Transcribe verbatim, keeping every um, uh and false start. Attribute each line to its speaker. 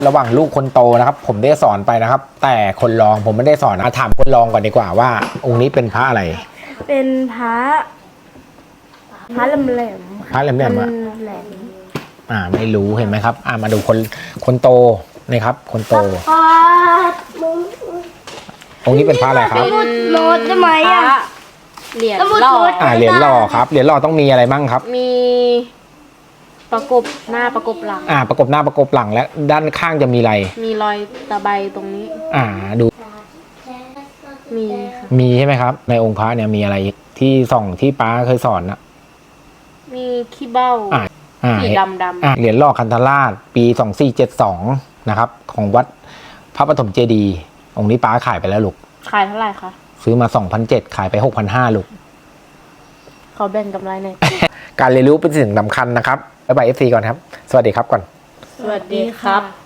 Speaker 1: ระหว่างลูกคนโตนะครับผมได้สอนไปนะครับ แต่คนรองผมไม่ได้สอนนะถามคนรองก่อนดีกว่าว่าองค์นี้เป็นพระอะไร
Speaker 2: เป็นพระพระแหลมแหลม
Speaker 1: พระแหลมแหลมอะ
Speaker 2: แหลม
Speaker 1: อ่าไม่รู้เห็นไหมครับอ่ามาดูคนคนโตนี่ครับ คนโต
Speaker 2: พระมึง
Speaker 1: องค์นี้เป็นพระอะไรครับ
Speaker 2: เป็นโน้ตได้ไหมอ่ะ
Speaker 3: เหรียญ
Speaker 2: สมุด
Speaker 3: หล่อ
Speaker 2: โน้ต
Speaker 1: อ่าเหรียญหล่อครับเหรียญหล่อต้องมีอะไรบ้างครับ
Speaker 3: มีประกบหน้าประกบหลัง
Speaker 1: อ่าประกบหน้าประกบหลังและด้านข้างจะมีอะไร
Speaker 3: มีรอยตะไบตรงนี้
Speaker 1: อ่าดู
Speaker 3: มีค่ะ
Speaker 1: มีใช่ไหมครับ ในองค์พระเนี่ยมีอะไรอีกที่ส่องที่ป้าเคยสอนนะ
Speaker 3: มีขี้เบ้า
Speaker 1: อ่าอ่า
Speaker 3: สีดำดำ
Speaker 1: อ่าเหรียญหล่อคันธราชปีสองสี่เจ็ดสองนะครับของวัดพระปฐมเจดีย์องค์นี้ป้าขายไปแล้วลูก
Speaker 3: ขายเท่าไหร่คะ
Speaker 1: ซื้อมา สองพันเจ็ด ขายไป หกพันห้าร้อย ลูก
Speaker 3: เขาแบ่งกำไรหน่อย
Speaker 1: การเรียนรู้เป็นสิ่งสำคัญนะครับบ๊ายบาย เอฟ ซี ก่อนครับ สวัสดีครับก่อน
Speaker 3: สวัสดีครับ